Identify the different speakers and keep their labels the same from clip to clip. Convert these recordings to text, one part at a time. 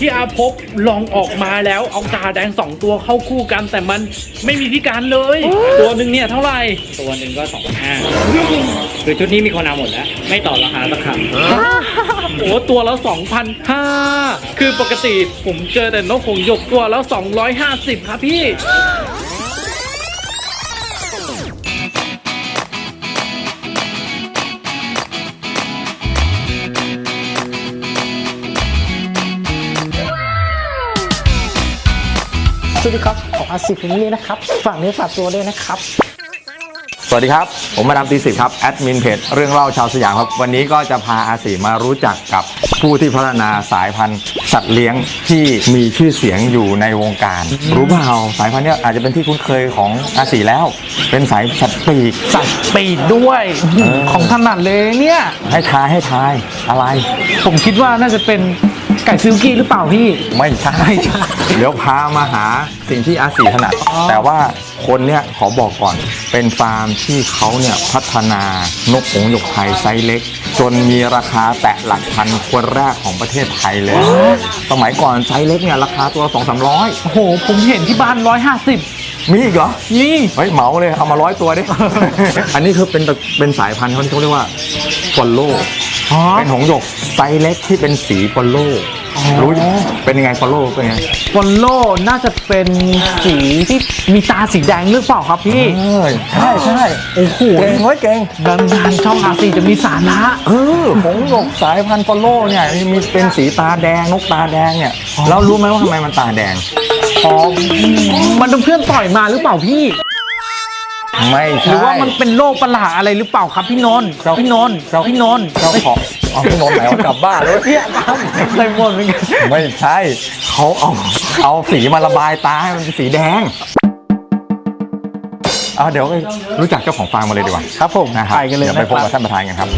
Speaker 1: ที่อาพบลองออกมาแล้วเอาตาแดง2ตัวเข้าคู่กันแต่มันไม่มีพิการเลยตัวหนึ่งเนี่ยเท่าไหร่
Speaker 2: ตัวหนึ่งก็2,500คือชุดนี้มีคนเอาหมดแล้วไม่ต่อราคาสักคำ
Speaker 1: โอ้ตัวละ 2,500 คือปกติผมเจอแต่นกหงส์หยกตัวแล้ว250ครับพี่
Speaker 3: สวัสดีครับของอาซีฟิมิลี่นะครับฝากเนื้อฝากตัวด้วยนะครับ
Speaker 4: สวัสดีครับผมมาดามตี10ครับแอดมินเพจเรื่องเล่าชาวสยามครับวันนี้ก็จะพาอาสีมารู้จักกับผู้ที่พัฒนาสายพันธุ์สัตว์เลี้ยงที่มีชื่อเสียงอยู่ในวงการรู้เปล่าสายพันธุ์นี้อาจจะเป็นที่คุ้นเคยของอาสีแล้วเป็นสายสัตว์ปีก
Speaker 3: ด้วยของถนัดเลยเนี่ย
Speaker 4: ให้ทายอะไร
Speaker 3: ผมคิดว่าน่าจะเป็นไก่ซิลกี้หรือเปล่าพี่
Speaker 4: ไม่ใช่เดี๋ยวพามาหาสิ่งที่อาสีถนัดแต่ว่าคนเนี่ยขอบอกก่อนเป็นฟาร์มที่เขาเนี่ยพัฒนานกหงส์หยกไทยไซส์เล็กจนมีราคาแตะหลักพันคนแรกของประเทศไทยเลยสมัยก่อนไซส์เล็กเนี่ยราคาตัว 200-300
Speaker 3: โอ้โหผมเห็นที่บ้าน150
Speaker 4: มีอีกเหรอ
Speaker 3: นี่
Speaker 4: เฮ้ยเหมาเลยเอามา100ตัวดิ อันนี้คือเป็นสายพันธุ์เขาเรียกว่าฟอลโล่เป็นหงส์หยกไซส์เล็กที่เป็นสีฟอลโล่รู้เป็นยังไงฟอลโล่เป็นไง
Speaker 3: ฟอลโล่น่าจะเป็นสีที่มีตาสีแดงหรือเปล่าครับพี่
Speaker 4: ใช่
Speaker 3: โอ้โห
Speaker 4: เก่ง
Speaker 3: ดังช่องอาซีจะมีสาระ
Speaker 4: หงส์หยกสายพันธุ์ฟอลโล่เนี่ยมีเป็นสีตาแดงนกตาแดงเนี่ยเรารู้ไหมว่าทำไมมันตาแดง
Speaker 3: มันเป็นเพื่อนต่อยมาหรือเปล่าพี่
Speaker 4: ไม่ใช่
Speaker 3: หรือว่ามันเป็นโรคประหลาดอะไรหรือเปล่าครับพี่นนท์เจ้าของพี่นนท์
Speaker 4: พี่นนท์ไหนเอากลับบ้านเลย
Speaker 3: พี่ครับเคยหมดเหมือนกัน
Speaker 4: ไม่ใช่เขาเอาสีมาระบายตาให้มันเป็นสีแดงเดี๋ยวรู้จักเจ้าของฟาร์มมาเลยดีกว่า
Speaker 3: ครับผม
Speaker 4: ไปกันเลยเดี๋ยวไปพบกับท่านประธานกันครับ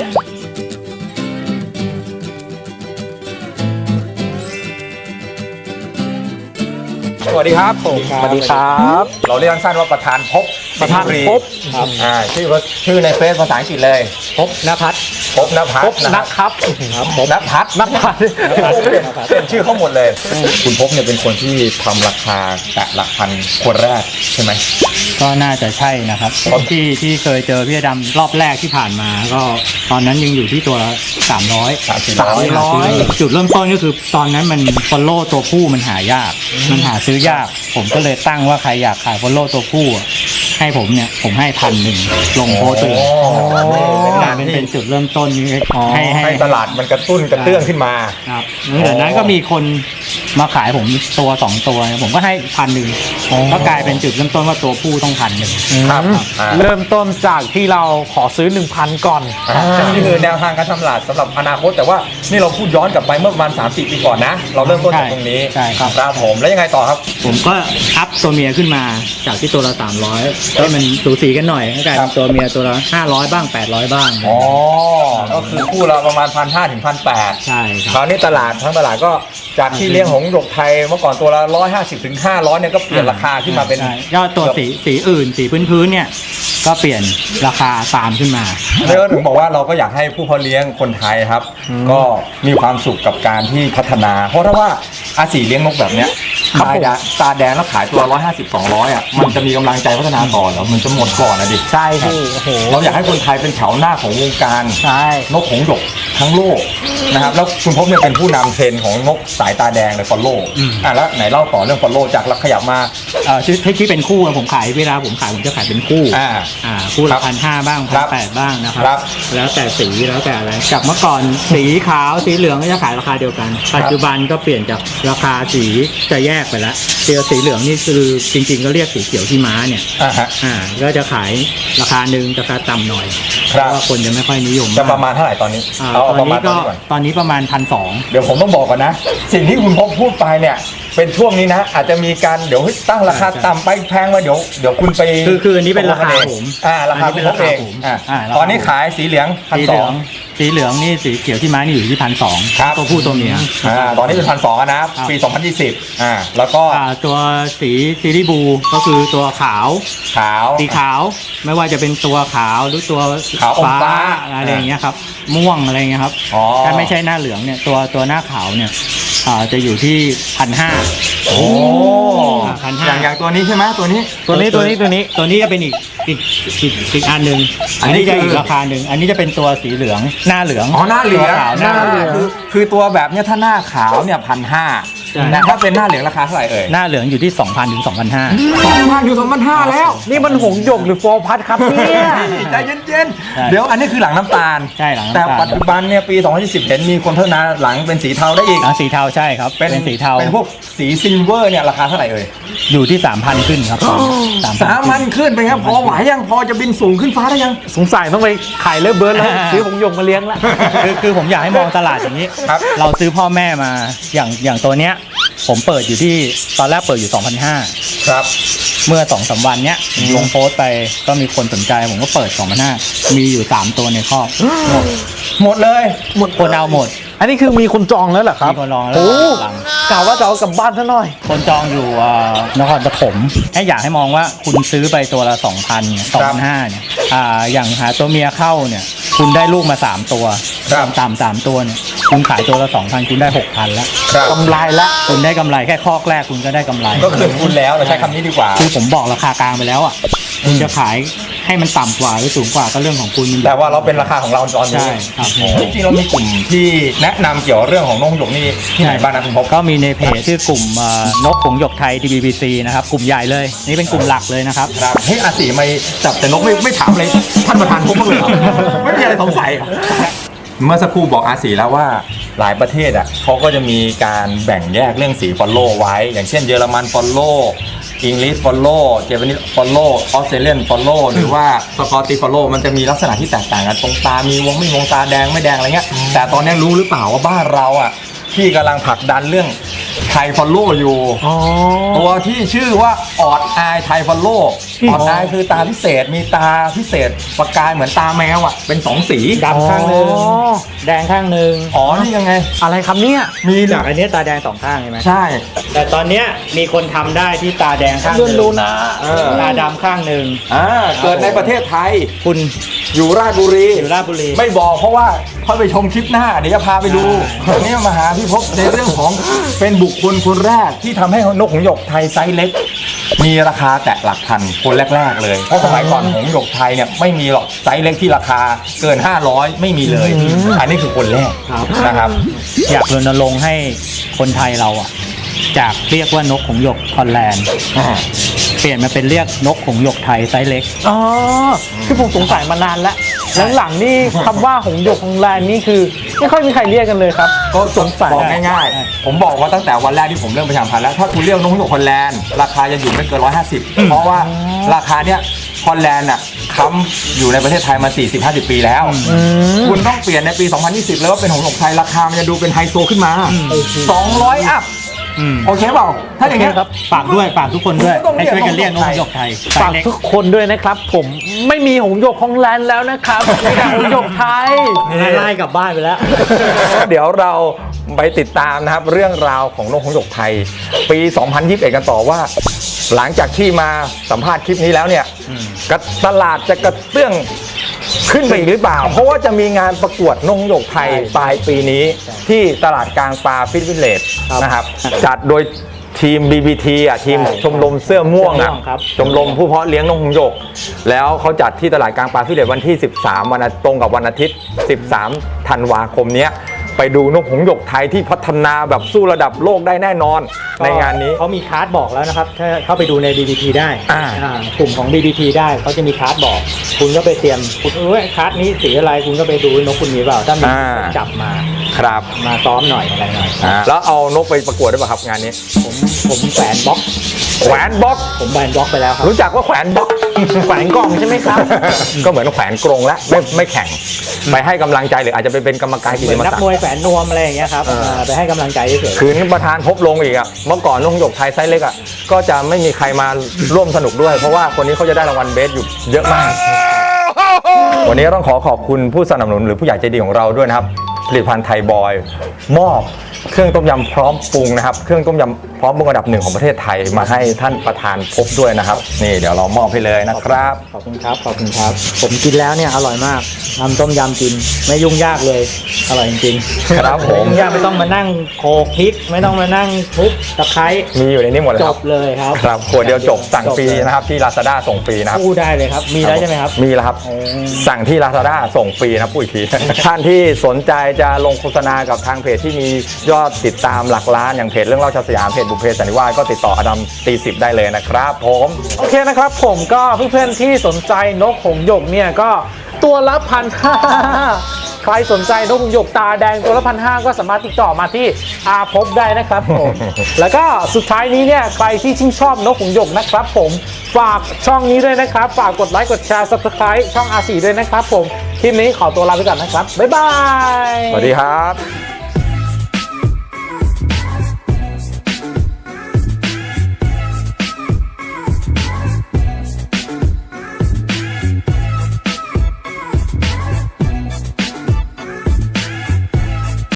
Speaker 4: สวัสดีครับ
Speaker 3: สวัสดีครับ
Speaker 4: เราเรียกสั้นว่าประธานพบ
Speaker 3: ครับ
Speaker 4: ชื่อในเฟซภาษาอังกฤษเลย
Speaker 3: พบณภัทร
Speaker 4: นะครับเป็นชื่อเขาหมดเลยคุณพบเนี่ยเป็นคนที่ทำราคาแตะหลักพันคนแรกใช่ไหม
Speaker 2: ก็น่าจะใช่นะครับที่เคยเจอพี่ดำรอบแรกที่ผ่านมาก็ตอนนั้นยังอยู่ที่ตัว300จุดเริ่มต้นก็คือตอนนั้นมันฟอลโล่ตัวผู้มันหายากมันหาซื้อยากผมก็เลยตั้งว่าใครอยากขายฟอลโล่ตัวผู้ให้ผมให้1,000ลงโพสต์เลยเป็นจุดเริ่มต้น
Speaker 4: ให้ตลาดมันกระตุ้นกระเตื้องขึ้นมา
Speaker 2: ครับจากนั้นก็มีคนมาขายผมตัว2ตัวผมก็ให้1,000ก็กลายเป็นจุดเริ่มต้นว่าตัวผู้ต้อง1,000
Speaker 4: ครับ
Speaker 3: เริ่มต้นจากที่เราขอซื้อ 1,000 ก่อน
Speaker 4: นี่คือแนวทางการทำตลาดสำหรับอนาคตแต่ว่านี่เราพูดย้อนกลับไปเมื่อประมาณ 3-4 ปีก่อนนะเราเริ่มต้นจากตรงนี้
Speaker 2: ใช่
Speaker 4: ครับผมแล้วยังไงต่อครับ
Speaker 2: ผมก็อัพตัวเมียขึ้นมาจากที่ตัวละ300ให้มันสูสีกันหน่อยกลายเป็นตัวเมียตัวละ500บ้าง800บ้าง
Speaker 4: ก็คือคู่ละประมาณ 1,500 ถึง 1,800
Speaker 2: ใช่ครับ
Speaker 4: คราวนี้ตลาดทั้งตลาดก็จากที่เลี้ยงหงส์หยกไทยเมื่อก่อนตัวละ150 ถึง 500เนี่ยก็เปลี่ยนราคาขึ้นมาเป็น
Speaker 2: ยอดตัวสีอื่นสีพื้นเนี่ยก็เปลี่ยนราคาตามขึ้นมา
Speaker 4: แล้วถึงบอกว่าเราก็อยากให้ผู้เพาะเลี้ยงคนไทยครับก็มีความสุขกับการที่พัฒนาเพราะถ้าว่าอาสีเลี้ยงนกแบบเนี้ยตาแดงแล้วขายตัว150-200มันจะมีกำลังใจพัฒนาต่อแล้วมันจะหมดก่อนนะดิ
Speaker 3: ใช่พี่
Speaker 4: เราอยากให้คนไทยเป็นแถวหน้าของวงการนกหงส์หยกทั้งโลกนะครับแล้วคุณพบเนี่ยเป็นผู้นำเทรนของนกสายตาแดงในฟอลโล่แล้วไหนเล่าต่อเรื่องฟอลโล่จากขยับมา
Speaker 2: ที่เป็นคู่ผมขายเวลาผมจะขายเป็นคู่คู่ละ1,500บ้าง1,800บ้างนะครับแล้วแต่สีแล้วแต่อะไรจากเมื่อก่อนสีขาวสีเหลืองก็จะขายราคาเดียวกันปัจจุบันก็เปลี่ยนจากราคาสีจะแยกไปแล้วสีเหลืองนี่คือจริงๆก็เรียกสีเขียวที่ม้าเนี่ยก็จะขายราคาหนึ่งราคาต่ำหน่อยเพราะว่าคนจะไม่ค่อยนิยม
Speaker 4: จะประมาณเท่าไหร่ตอนนี้
Speaker 2: ตอนนี้ประมาณ1,200
Speaker 4: เดี๋ยวผมต้องบอกก่อนนะสิ่งที่คุณพบพูดไปเนี่ยเป็นช่วงนี้นะอาจจะมีการเดี๋ยวตั้งราคาต่ำไปแพงมาเดี๋ยวคุณไป
Speaker 2: คืออันนี้เป็นราคาผม
Speaker 4: ราคาเป็นราคาผมตอนนี้ขายสีเหลือง1,200
Speaker 2: สีเหลืองนี่สีเขียวที่ม้านี่อยู่ที่1,200
Speaker 4: ครับ
Speaker 2: ตัวผู้ตัวเมีย
Speaker 4: ตอนนี้เป็น1,200นะปี2020แล้วก็
Speaker 2: ตัวสีซีรีบูก็คือตัวขาวสีขาวไม่ว่าจะเป็นตัวขาวหรือตัวฟ้าอะไรอย่างเงี้ยครับม่วงอะไรเงี้ยครับถ้าไม่ใช่หน้าเหลืองเนี่ยตัวหน้าขาวเนี่ยจะอยู่ที่ 1,500
Speaker 4: โอ้
Speaker 2: 1,500
Speaker 4: อย่างตัวนี้ใช่ไหมตัวนี้
Speaker 2: ตัวนี้จะเป็นอีกอันหนึ่ง
Speaker 4: อั
Speaker 2: อั
Speaker 4: น
Speaker 2: น
Speaker 4: นี้
Speaker 2: นี้จะ
Speaker 4: คืออี
Speaker 2: อีกราคาหนึ่งอันนี้จะเป็นตัวสีเหลืองหน้าเหลือง
Speaker 4: อ๋อหน้าเหลือง
Speaker 2: ตัวขาวหน้าเหลือง
Speaker 4: คือตัวแบบเนี้ยถ้าหน้าขาวเนี่ย
Speaker 2: ใช่
Speaker 4: 1,500แต่ถ้าเป็นหน้าเหลืองราคาเท่าไหร่เอ่ย
Speaker 2: หน้าเหลืองอยู่ที่ 2,000 ถึง 2,500
Speaker 4: 2,000อยู่2,500แล้ว
Speaker 3: นี่มันหงส์หยกหรือโฟร์พัดครับเนี่ย
Speaker 4: ใจเย็น
Speaker 2: ใช่
Speaker 4: ๆเดี๋ยวอันนี้คือหลังน้ำตาล
Speaker 2: ใช่หลังน้ำ
Speaker 4: แต่
Speaker 2: ตาล
Speaker 4: ปัจจุบันเนี่ยปี 2020 เห็นมีคนพัฒนาหลังเป็นสีเทาได้อีก
Speaker 2: หลังสีเทาใช่ครับ เป็นสีเทา
Speaker 4: เป็นพวกสีซิลเวอร์เนี่ยราคาเท่าไหร่เอ่ย
Speaker 2: อยู่ที่ 3,000 ขึ้นครับ
Speaker 4: 3,000ขึ้นไปครับพอไหวยังพอจะบินสูงขึ้นฟ้าได้ยัง
Speaker 3: สงสัยต้องไปขายเลิฟเบิร์ดแล้วซื้อหงส์หยกมาเลี้ยงละ
Speaker 2: คือผมอยากให้มองตลาดอย่างนี้
Speaker 4: ครับ
Speaker 2: เราซื้อพ่อแม่มาอย่างตัวเนี้ยผมเปิดอยู่ที่ตอนแรกเปิดอยู่ 2,500
Speaker 4: ครับ
Speaker 2: เมื่อ 2-3 วันเนี้ยลงโพสต์ไปก็มีคนสนใจผมก็เปิด 2,500 มีอยู่ 3 ตัวในครอบหมด
Speaker 4: หมดเลย
Speaker 2: คนเอาหมด
Speaker 3: อันนี้คือมีคนจองแล้วเหรอครับ
Speaker 2: มีคนจองแล้ว
Speaker 3: โอ้
Speaker 2: หลัง
Speaker 3: กล่าวว่าจะเอากลับบ้านซะหน่อย
Speaker 2: คนจองอยู่นครปฐมให้อยากให้มองว่าคุณซื้อไปตัวละ 2,000 2,500 เนี่ยอย่างหาตัวเมียเข้าเนี่ยคุณได้ลูกมา 3 ตัว
Speaker 4: ครับ
Speaker 2: ต่ำ3ตัวเนี่ยคุณขายตัวละ 2,000 คุณได้ 6,000 แล้ว
Speaker 4: ครับ
Speaker 3: กำไรละ
Speaker 2: คุณได้กำไรแค่คอกแรกคุณก็ได้กำไร
Speaker 4: ก็คืนทุนแล้วเราใช้คำนี้ดีกว่า
Speaker 2: คือผมบอกราคากลางไปแล้วอ่ะคุณจะขายให้มันต่ำกว่าหรือสูงกว่าก็เรื่องของคุณมัน
Speaker 4: แต่ว่าเราเป็นราคาของเราตอนนี้
Speaker 2: ใช่ครับ
Speaker 4: จริงๆเรามีกลุ่มที่แนะนำเกี่ยวกับเรื่องของนกหงส์หยกนี่ที่ไหนบ้างนะคุณพบ
Speaker 2: ก็มีในเพจชื่อกลุ่มนกหงส์หยกไทย DBBC นะครับกลุ่มใหญ่เลยนี่เป็นกลุ่มหลักเลยนะครับ
Speaker 4: ครับเฮ้ยอาสีไม่จับแต่นกไม่ถามเลยท่านประธานพบบ้างเลยเหรอไม่มีอะไรสงสัยเหรอเมื่อสักครู่บอกอาสีแล้วว่าหลายประเทศอ่ะเขาก็จะมีการแบ่งแยกเรื่องสีฟอลโล่ไว้ อย่างเช่นเยอรมันฟอลโล่อังกฤษฟอลโล่เจแปนิสฟอลโล่ออสเตรเลียนฟอลโล่หรือว่าสกอตติฟอลโล่มันจะมีลักษณะที่แตกต่างกันตรงตามีวงไม่วงตาแดงไม่แดงอะไรเงี้ยแต่ตอนนี้รู้หรือเปล่าว่าบ้านเราอ่ะที่กำลังผลักดันเรื่องไทยฟอลโล่อยู่
Speaker 3: อ๋อ
Speaker 4: ตัวที่ชื่อว่าออดอายไทยฟอลโล่ออดอายคือตาพิเศษมีตาพิเศษประกายเหมือนตาแมวอ่ะเป็น2 สี
Speaker 2: ดำข้างหนึ่ง
Speaker 3: อ๋อ
Speaker 2: แดงข้างหนึ่ง
Speaker 4: อ๋อนี่ยังไง
Speaker 3: อะไรครับเนี่ย
Speaker 4: มี
Speaker 2: จากอันเนี้ยตาแดง2ข้างใช่ไหม
Speaker 4: ใช่
Speaker 2: แต่ตอนเนี้ยมีคนทำได้ที่ตาแดงข้างห
Speaker 3: รุ่น
Speaker 2: นึ่ง
Speaker 3: ดูนะ
Speaker 2: ตาดำข้างหนึ่ง
Speaker 4: เกิดในประเทศไทย
Speaker 2: คุณ
Speaker 4: อยู่ราชบุรี
Speaker 2: อยู่ราชบุรี
Speaker 4: ไม่บอกเพราะว่าค่อยไปชมคลิปหน้าเดี๋ยวจะพาไปดูวันนี้มาหาพี่พบในเรื่องของเป็นบุคคลคนแรกที่ทำให้นกหงส์หยกไทยไซส์เล็ก มีราคาแตะหลักพันคนแรกๆเลยเพราะสมัยก่อนหงส์หยกไทยเนี่ยไม่มีหรอกไซส์เล็กที่ราคาเกิน500ไม่มีเลย อันนี้คือคนแรกนะครับ
Speaker 2: อยากรณรงค์ให้คนไทยเราอ่ะจากเรียกว่านกหงส์หยกฮอลแลนด์เปลี่ยนมาเป็นเรียกนกหงส์หยกไทยไซส์เล็ก
Speaker 3: อ๋อคือผมสงสัยมานานแล้วหลังๆนี่คำว่าหงส์หยกของแลนด์นี่คือไม่ค่อยมีใครเรียกกันเลยครับ
Speaker 4: ก็สงสัยบอกง่ายๆ ผมบอกว่าตั้งแต่วันแรกที่ผมเริ่มประชาสัมพันธ์แล้วถ้าคุณเรียกนกหงส์หยกฮอลแลนด์ราคาจะอยู่ไม่เกิน150เพราะว่าราคาเนี้ยฮอลแลนด์อ่ะค้ำอยู่ในประเทศไทยมา 40-50 ปีแล้ว คุณต้องเปลี่ยนในปี 2020 แล้วว่าเป็นหงส์หยกไทยราคามันจะดูเป็นไฮโซขึ้นมา200 อัพโอเคเปล่าถ้าอย่างเงี้ย
Speaker 3: ครับ
Speaker 2: ฝากด้วยฝากทุกคนด้วย
Speaker 4: ต้องเรี
Speaker 2: ให้
Speaker 4: ยก
Speaker 2: ช่วยกันเรียกนกหงส์หยกไทยไซ
Speaker 3: ฝาก
Speaker 2: ส์เล็ก
Speaker 3: ทุกคนด้วยนะครับ ผมไม่มีหงส์หยกของแลนด์แล้วนะครับมีแต่หงส์หยกไทย
Speaker 2: ไล่กลับบ้านไปแล้ว
Speaker 4: เดี๋ยวเราไปติดตามนะครับเรื่องราวของนกหงส์หยกไทย ปี 2021 กันต่อว่า หลังจากที่มาสัมภาษณ์คลิปนี้แล้วเนี่ยตลาดจะกระเตื้องขึ้นไปอีกหรือเปล่า เพราะว่าจะมีงานประกวดนกหงส์หยกไทยปลายปีนี้ที่ตลาดกลางปลาฟิตวิลเลจนะครับจัดโดยทีม BBT อ่ะทีมชมรมเสื้อม่วงอ่ะ
Speaker 2: เสื้อม่วงครับ
Speaker 4: ชมรมผู้เพาะเลี้ยงนกหงส์หยก แล้วเขาจัดที่ตลาดกลางปลาฟิตวิลเลจวันที่ 13 วันอาทิตย์ตรงกับวันอาทิตย์ 13 ธันวาคมเนี้ยไปดูนกหงส์หยกไทยที่พัฒนาแบบสู้ระดับโลกได้แน่นอนในงานนี้
Speaker 2: เขามีคาร์ดบอกแล้วนะครับถ้าเข้าไปดูใน BBT ได้
Speaker 4: อ่า
Speaker 2: กลุ่มของ BBT ได้เขาจะมีคาร์ดบอก คุณก็ไปเตรียมคุณคาร์ดนี้สีอะไรคุณก็ไปดูนกคุณมีเปล่าถ้ามีจับมา
Speaker 4: ครับ
Speaker 2: มาซ้อมหน่อยอะไรหน่อย
Speaker 4: แล้วเอานกไปประกวดได้ป่ะครับงานนี้
Speaker 2: ผมแขวนบล็อก
Speaker 4: แขวนบล็อก
Speaker 2: ผมแขวนบล็อกไปแล้วครับ
Speaker 4: รู้จักว่าแขวนบล็อก
Speaker 3: แขวนกล่องใช่ไหมครับ
Speaker 4: ก็เหมือนแขวนกรงแล้วไม่แข่งไปให้กำลังใจหรืออาจจะไปเป็นกรรมการกิ
Speaker 2: เหมื
Speaker 4: จ
Speaker 2: อน
Speaker 4: ม
Speaker 2: นัก
Speaker 4: ศัก
Speaker 2: ม
Speaker 4: ดิ์
Speaker 2: วยแขวนนวมอะไรอย่างเงี้ยครับไปให้กำลังใจเฉย
Speaker 4: คืนประธานพบลงอีกอ่ะเมื่อก่อนนกหงส์หยกไทยไซส์เล็กอ่ะก็จะไม่มีใครมาร่วมสนุกด้วย เพราะว่าคนนี้เขาจะได้รางวัลเบสอยู่เยอะมาก วันนี้ต้องขอบคุณผู้สนับสนุนหรือผู้ใหญ่ใจดีของเราด้วยนะครับผลิตภัณฑ์ไทยบอยมอบเครื่องต้มยำพร้อมปรุงนะครับเครื่องต้มยำพร้อมปรุงอันดับ1ของประเทศไทยมาให้ท่านประธานพบด้วยนะครับนี่เดี๋ยวเรามอบให้เลยนะครับ
Speaker 2: ขอบคุณครับขอบคุณครับผมกินแล้วเนี่ยอร่อยมากทำต้มยำกินไม่ยุ่งยากเลยอร่อยจริงๆ
Speaker 4: ครับผม
Speaker 2: ไยุ่งยากไม่ต้องมานั่งโขลกพริกไม่ต้องมานั่งทุบตะไคร้
Speaker 4: มีอยู่ในนี้หมดเลย
Speaker 2: จ
Speaker 4: ครับ
Speaker 2: บเลยครับ
Speaker 4: ครับขวดเดียวจบสั่งฟรีนะครับที่ Lazada ส่งฟรีนะครับ
Speaker 2: พูดได้เลยครับมีแล้วใช่ไหมครับ
Speaker 4: มีแล้วครับ สั่งที่ Lazada ส่งฟรีนะปุ้ยที ท่านที่สนใจจะลงโฆษณากับทางเพจที่มียอดติดตามหลักล้านอย่างเพจเรื่องเล่าชาวสยามเพจบุพเพสันนิวาสก็ติดต่ออดัมตี10ได้เลยนะครับผม
Speaker 3: โอเคนะครับผมก็เพื่อนๆที่สนใจนกหงส์หยกเนี่ยก็ตัวละ1,500ใครสนใจนกหงส์หยกตาแดงตัวละ1,500ก็สามารถติดต่อมาที่อาภพได้นะครับผม แล้วก็สุดท้ายนี้เนี่ยใครที่ชื่นชอบนกหงส์หยกนะครับผมฝากช่องนี้ด้วยนะครับฝากกดไลค์กดแชร์ Subscribe ช่อง R4 ด้วยนะครับผมคลิปนี้ขอตัวลาไปก่อนนะครับบ๊ายบาย
Speaker 4: สวัสดีครับ